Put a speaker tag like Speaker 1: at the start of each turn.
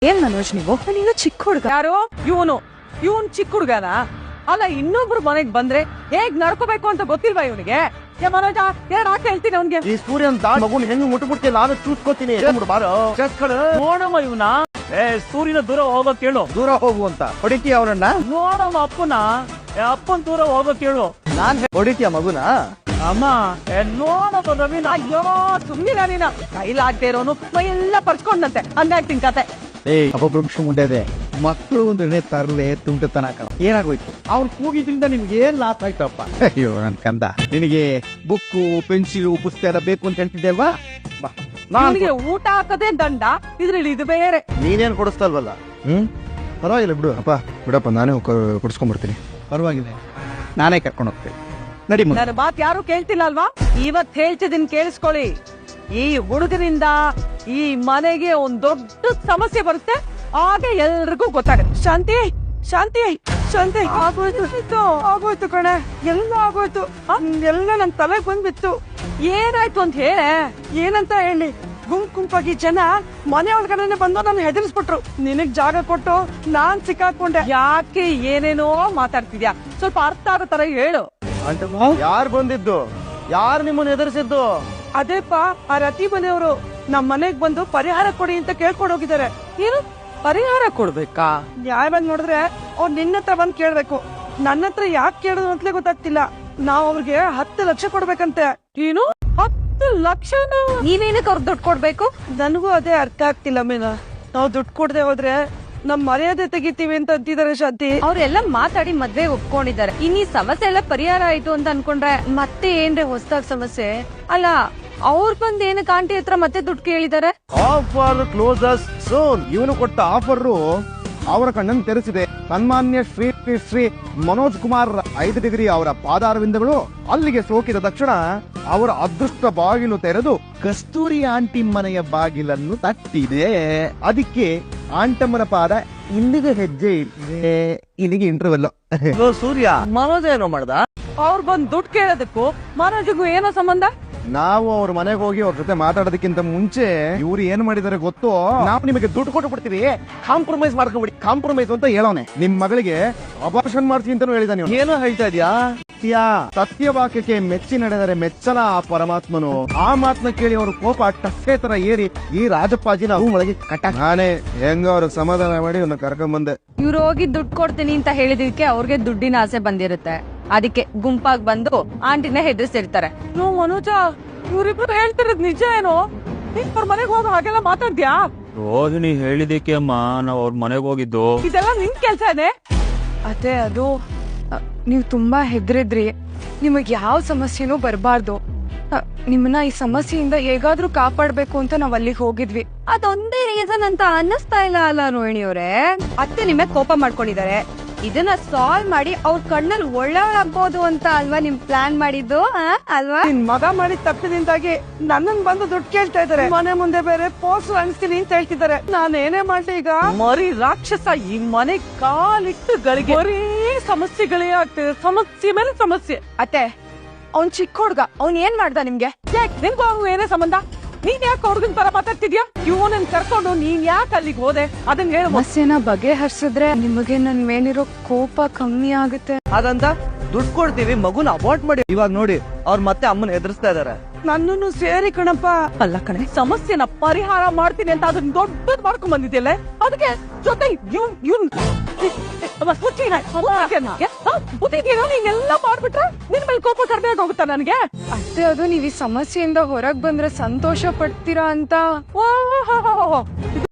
Speaker 1: ಏನ್ ಮನೋಜ್ ನೀವು ನೀನು ಚಿಕ್ಕ ಹುಡುಗ
Speaker 2: ಯಾರು ಇವನ್ ಚಿಕ್ಕ ಹುಡುಗನ ಅಲ್ಲ ಇನ್ನೊಬ್ರು ಮನೆಗ್ ಬಂದ್ರೆ ಹೇಗ್ ನಡ್ಕೋಬೇಕು ಅಂತ ಗೊತ್ತಿಲ್ವಾ ಇವನಿಗೆ ಮನೋಜ ಯಾಕೆ ಹೇಳ್ತೀನಿ ಅವನ್ಗೆ
Speaker 3: ಈ ಸೂರ್ಯನ್ ಮಗುನ್ ಹೆಂಗ್ ಮುಟ್ಬಿಡ್ತಿಲ್ಲ ನಾನು ಚೂಸ್ಕೋತೀನಿ ಬಾರೋ
Speaker 2: ನೋಡಮ್ಮ ಇವನ ಸೂರ್ಯನ ದೂರ ಹೋಗೋ ಕೇಳು
Speaker 3: ದೂರ ಹೋಗು ಅಂತ ಹೊಡಿತೀಯ ಅವನನ್ನ
Speaker 2: ನೋಡಮ್ಮ ಅಪ್ಪನ್ ದೂರ ಹೋಗೋ ಕೇಳು
Speaker 3: ನಾನ್ ಹೊಡಿತೀಯ ಮಗುನ
Speaker 2: ಅಮ್ಮ ನೋಡಮ್ಮ ರವೀನ ಅಯ್ಯೋ ಸುಮ್ಮಿಲ್ಲ ನೀನ ಕೈಲಾಗ್ದೇ ಇರೋನು ಮೈ ಎಲ್ಲ ಪರ್ಸ್ಕೊಂಡಂತೆ ಹಂಗಾಗ್ತೀನಿ ಕತೆ
Speaker 3: ಅಪಭ್ರಂಶ ಮುಂದೆ ಮಕ್ಕಳು ಒಂದು ಎಣ್ಣೆ ತರಲೆ ತುಂಟತನ ಏನಾಗೋಯ್ತು ಅವ್ನು ಕೂಗಿದ್ರಿಂದ ನಿಮ್ಗೆ ಏನ್ ಲಾಸ್ ಆಯ್ತಪ್ಪ ಅಯ್ಯೋ ನನ್ ಕಂದ ನಿನಗೆ ಬುಕ್ಕು ಪೆನ್ಸಿಲು ಪುಸ್ತಕ ಎಲ್ಲ ಬೇಕು ಅಂತ ಹೇಳ್ತಿದ್ದೆ ಅಲ್ವಾ
Speaker 2: ನನಗೆ ಊಟ ಹಾಕದೆ ದಂಡ ಇದ್ರಲ್ಲಿ ಇದು ಬೇರೆ
Speaker 3: ನೀನೇನ್ ಕೊಡಿಸ್ತಲ್ವಲ್ಲ ಪರವಾಗಿಲ್ಲ ಬಿಡು ಅಪ್ಪ ಬಿಡಪ್ಪ ನಾನೇ ಕೊಡಿಸ್ಕೊಂಡ್ಬರ್ತೀನಿ ಪರವಾಗಿಲ್ಲ ನಾನೇ ಕರ್ಕೊಂಡು ಹೋಗ್ತೇನೆ ನಡಿ
Speaker 2: ನನ್ನ ಮಾತ್ ಯಾರು ಕೇಳ್ತಿಲ್ಲ ಅಲ್ವಾ ಇವತ್ ಹೇಳ್ತಿದ್ದೀನಿ ಕೇಳಿಸ್ಕೊಳ್ಳಿ ಈ ಹುಡುಗರಿಂದ ಈ ಮನೆಗೆ ಒಂದ್ ದೊಡ್ಡ ಸಮಸ್ಯೆ ಬರುತ್ತೆ ಆಗ ಎಲ್ರಿಗೂ ಗೊತ್ತಾಗುತ್ತೆ ಶಾಂತಿ ಆಗೋಯ್ತು ಕಣೆ ಎಲ್ಲ ಆಗೋಯ್ತು ಎಲ್ಲ ನನ್ ತಲೆಗ್ ಬಂದ್ಬಿತ್ತು ಏನಾಯ್ತು ಅಂತ ಹೇಳೆ ಏನಂತ ಹೇಳಿ ಗುಂಪಾಗಿ ಜನ ಮನೆ ಒಳಗಡೆ ಬಂದು ನಾನು ಹೆದರ್ಸ್ಬಿಟ್ರು ನಿನಗ್ ಜಾಗ ಕೊಟ್ಟು ನಾನ್ ಸಿಕ್ಕಾಕೊಂಡೆ ಯಾಕೆ ಏನೇನೋ ಮಾತಾಡ್ತಿದ್ಯಾ ಸ್ವಲ್ಪ ಅರ್ಥ ಆಗೋ ತರ ಹೇಳು
Speaker 3: ಯಾರು ಬಂದಿದ್ದು ಯಾರು ನಿಮ್ಮನ್ನ ಎದುರಿಸಿದ್ದು
Speaker 2: ಅದೇಪ್ಪ ಆ ರತಿ ಮನೆಯವರು ನಮ್ ಮನೆಗ್ ಬಂದು ಪರಿಹಾರ ಕೊಡಿ ಅಂತ ಕೇಳ್ಕೊಂಡು ಹೋಗಿದ್ದಾರೆ ಏನು ಪರಿಹಾರ ಕೊಡ್ಬೇಕಾ ನ್ಯಾಯವಾಗಿ ನೋಡಿದ್ರೆ ಅವ್ರು ನಿನ್ನ ಹತ್ರ ಬಂದ್ ಕೇಳ್ಬೇಕು ನನ್ನ ಹತ್ರ ಯಾಕೆ ಕೇಳೋದು ಅಂತಲೇ ಗೊತ್ತಾಗ್ತಿಲ್ಲ ನಾವ್ ಅವ್ರಿಗೆ 10 ಲಕ್ಷ ಕೊಡ್ಬೇಕಂತೆ ಏನು 10 ಲಕ್ಷ
Speaker 1: ನೀವೇನಕ್ಕೆ ಅವ್ರಿಗೆ ದುಡ್ಡು ಕೊಡ್ಬೇಕು
Speaker 2: ನನಗೂ ಅದೇ ಅರ್ಥ ಆಗ್ತಿಲ್ಲ ಮೀನಾ ನಾವ್ ದುಡ್ಡು ಕೊಡದೆ ಹೋದ್ರೆ ನಮ್ ಮರ್ಯಾದೆ ತೆಗಿತೀವಿ ಅಂತ ಅಂತಿದ್ದಾರೆ ಶಾಂತಿ
Speaker 1: ಅವ್ರೆಲ್ಲ ಮಾತಾಡಿ ಮದ್ವೆ ಒಪ್ಕೊಂಡಿದ್ದಾರೆ ಇನ್ನೀ ಸಮಸ್ಯೆ ಎಲ್ಲ ಪರಿಹಾರ ಆಯ್ತು ಅಂತ ಅನ್ಕೊಂಡ್ರೆ ಮತ್ತೆ ಏನ್ರೆ ಹೊಸದಾಗ್ ಸಮಸ್ಯೆ ಅಲ್ಲ ಅವ್ರು ಬಂದ್ ಏನಕ್ಕೆ ಆಂಟಿ ಹತ್ರ ಮತ್ತೆ ದುಡ್ಡು ಕೇಳಿದಾರೆ
Speaker 3: ಆಫರ್ ಕ್ಲೋಸಸ್ ಸೋನ್ ಇವನು ಕೊಟ್ಟ ಆಫರ್ ಅವರ ಕಣ್ಣನ್ನು ತೆರೆಸಿದೆ ಸನ್ಮಾನ್ಯ ಶ್ರೀ ಮನೋಜ್ ಕುಮಾರ್ 5 ಡಿಗ್ರಿ ಅವರ ಪಾದಾರವಿಂದಗಳು ಅಲ್ಲಿಗೆ ಸೋಕಿದ ತಕ್ಷಣ ಅವರ ಅದೃಷ್ಟ ಬಾಗಿಲು ತೆರೆದು ಕಸ್ತೂರಿ ಆಂಟಿ ಮನೆಯ ಬಾಗಿಲನ್ನು ತಟ್ಟಿದೆ ಅದಕ್ಕೆ ಆಂಟಮ್ಮನ ಪಾದ ಇಲ್ಲಿಗೆ ಹೆಜ್ಜೆ ಇದೆ ಇಲ್ಲಿಗೆ ಇಂಟರ್ವೆಲ್
Speaker 2: ಸೂರ್ಯ ಮನೋಜ್ ಏನೋ ಮಾಡ್ದ ಅವ್ರು ಬಂದ್ ದುಡ್ಡು ಕೇಳೋದಕ್ಕೂ ಮನೋಜ್ಗೂ ಏನೋ ಸಂಬಂಧ
Speaker 3: ನಾವು ಅವ್ರ ಮನೆಗೆ ಹೋಗಿ ಅವ್ರ ಜೊತೆ ಮಾತಾಡೋದಕ್ಕಿಂತ ಮುಂಚೆ ಇವ್ರು ಏನ್ ಮಾಡಿದಾರೆ ಗೊತ್ತು ನಾವು ನಿಮಗೆ ದುಡ್ಡು ಕೊಟ್ಟು ಬಿಡ್ತೀವಿ ಕಾಂಪ್ರಮೈಸ್ ಮಾಡ್ಕೊಂಡ್ಬಿಡಿ ಕಾಂಪ್ರಮೈಸ್ ಅಂತ ಹೇಳೋನೆ ನಿಮ್ ಮಗಳಿಗೆ ಅಬಾರ್ಷನ್ ಮಾಡ್ತೀನಿ ಅಂತಾನು ಹೇಳಿದಾನೆ ಏನೋ ಹೇಳ್ತಾ ಇದ್ಯಾ ಸತ್ಯವಾಕ್ಯಕ್ಕೆ ಮೆಚ್ಚಿ ನಡೆದರೆ ಮೆಚ್ಚಲ ಆ ಪರಮಾತ್ಮನು ಆ ಮಾತನ್ನ ಕೇಳಿ ಅವ್ರ ಕೋಪ ಟಕ್ಕೆ ತರ ಏರಿ ಈ ರಾಜಪ್ಪಾಜಿನ ಒಳಗೆ ಕಟ್ಟ ನಾನೇ ಹೆಂಗ ಅವ್ರಿಗೆ ಸಮಾಧಾನ ಮಾಡಿ ಅವ್ನ ಕರ್ಕೊಂಡ್ ಬಂದೆ
Speaker 1: ಇವ್ರು ಹೋಗಿ ದುಡ್ಡು ಕೊಡ್ತೀನಿ ಅಂತ ಹೇಳಿದಕ್ಕೆ ಅವ್ರಿಗೆ ದುಡ್ಡಿನ ಆಸೆ ಬಂದಿರುತ್ತೆ ಅದಕ್ಕೆ ಗುಂಪಾಗಿ ಬಂದು ಆಂಟಿನ ಹೆದರ್ಸಿರ್ತಾರೆ
Speaker 2: ಮನೋಜ ಇವ್ರಿಬ್ರು ಹೇಳ್ತಿರೋದ್ ನಿಜ ಏನೋ ಅವ್ರ ಮನೆಗ್ ಹೋಗ ಹಾಗೆಲ್ಲ ಮಾತಾಡ್ದ್ಯಾ
Speaker 4: ರೋಹಿಣಿ ಹೇಳಿದಕ್ಕೆ ಅಮ್ಮ ನಾವ್ ಅವ್ರ ಮನೆಗ್ ಹೋಗಿದ್ದು
Speaker 2: ಇದೆಲ್ಲ ನಿನ್ ಕೆಲ್ಸ ಇದೆ
Speaker 5: ಅದೇ ಅದು ನೀವು ತುಂಬಾ ಹೆದರಿದ್ರಿ ನಿಮಗ್ ಯಾವ ಸಮಸ್ಯೆನೂ ಬರಬಾರ್ದು ನಿಮ್ಮನ್ನ ಈ ಸಮಸ್ಯೆಯಿಂದ ಹೇಗಾದ್ರೂ ಕಾಪಾಡ್ಬೇಕು ಅಂತ ನಾವ್ ಅಲ್ಲಿಗೆ ಹೋಗಿದ್ವಿ
Speaker 1: ಅದೊಂದೇ ರೀಸನ್ ಅಂತ ಅನ್ನಿಸ್ತಾ ಇಲ್ಲ ಅಲ್ಲ ರೋಹಿಣಿ ಅವರೇ ಅತ್ತೆ ನಿಮ್ಮ ಕೋಪ ಮಾಡ್ಕೊಂಡಿದ್ದಾರೆ ಇದನ್ನ ಸಾಲ್ವ್ ಮಾಡಿ ಅವ್ರ ಕಣ್ಣಲ್ಲಿ ಒಳ್ಳೆಯವ್ರಾಗ್ಬೋದು ಅಂತ ಅಲ್ವಾ ನಿಮ್ ಪ್ಲಾನ್ ಮಾಡಿದ್ದು ಅಲ್ವಾ
Speaker 2: ನಿನ್ ಮಗ ಮಾಡಿದ ತಪ್ಪಿನಿಂದಾಗಿ ನನ್ನನ್ ಬಂದು ದುಡ್ಡು ಕೇಳ್ತಾ ಇದಾರೆ ಮನೆ ಮುಂದೆ ಬೇರೆ ಪೋಸ್ಟರ್ ಅನ್ಸ್ತೀನಿ ಅಂತ ಹೇಳ್ತಿದ್ದಾರೆ ನಾನು ಏನೇ ಮಾಡ್ಲಿ ಈಗ ಮರಿ ರಾಕ್ಷಸ ಈ ಮನೆ ಕಾಲಿಟ್ಟು ಗಳಿಗೆ ಬರೀ ಸಮಸ್ಯೆಗಳೇ ಆಗ್ತಿದೆ ಸಮಸ್ಯೆ ಮೇಲೆ ಸಮಸ್ಯೆ
Speaker 5: ಅತ್ತೆ ಅವ್ನ್ ಚಿಕ್ಕ ಹುಡ್ಗ ಅವ್ನ್ ಏನ್ ಮಾಡ್ದ ನಿಮ್ಗೆ
Speaker 2: ನಿನ್ಗೂ ಅವ್ನು ಏನೇ ಸಂಬಂಧ ನೀನ್ ಯಾಕೆ ಹುಡುಗನ್ ತರ ಮಾತಾಡ್ತಿದ್ಯಾ ಇವನನ್ ಕರ್ಕೊಂಡು ನೀನ್ ಯಾಕೆ ಅಲ್ಲಿಗೆ ಹೋದೆ ಅದನ್ನ ಹೇಳ
Speaker 5: ಸಮಸ್ಯೆನ ಬಗೆಹರಿಸಿದ್ರೆ ನಿಮಗೆ ನನ್ ಮೇಲಿರೋ ಕೋಪ ಕಮ್ಮಿ ಆಗುತ್ತೆ
Speaker 6: ಹಾಗಂತ ದುಡ್ಡು ಕೊಡ್ತೀವಿ ಮಗುನ ಅವಾಯ್ಡ್ ಮಾಡಿ ಇವಾಗ ನೋಡಿ ಅವ್ರು ಮತ್ತೆ ಅಮ್ಮನ ಎದುರಿಸ್ತಾ ಇದಾರೆ
Speaker 2: ನನ್ನನ್ನು ಸೇರಿ ಕಣಪ್ಪ ಅಲ್ಲ ಕಣೆ ಸಮಸ್ಯೆನ ಪರಿಹಾರ ಮಾಡ್ತೀನಿ ಅಂತ ಅದನ್ನ ದೊಡ್ಡದ್ ಮಾಡ್ಕೊಂಡ್ ಬಂದಿದ್ಯಲ್ಲ ಅದಕ್ಕೆ ಜೊತೆ ನೀನೆಲ್ಲ ಮಾಡ್ಬಿಟ್ರೆ ನಿನ್ ಮೇಲೆ ಕೋಪ ಕಡಿಮೆ ಆಗೋಗುತ್ತಾ ನನ್ಗೆ
Speaker 5: ಅತ್ತೆ ಅದು ನೀವ್ ಈ ಸಮಸ್ಯೆಯಿಂದ ಹೊರಗ್ ಬಂದ್ರೆ ಸಂತೋಷ ಪಡ್ತೀರಾ ಅಂತ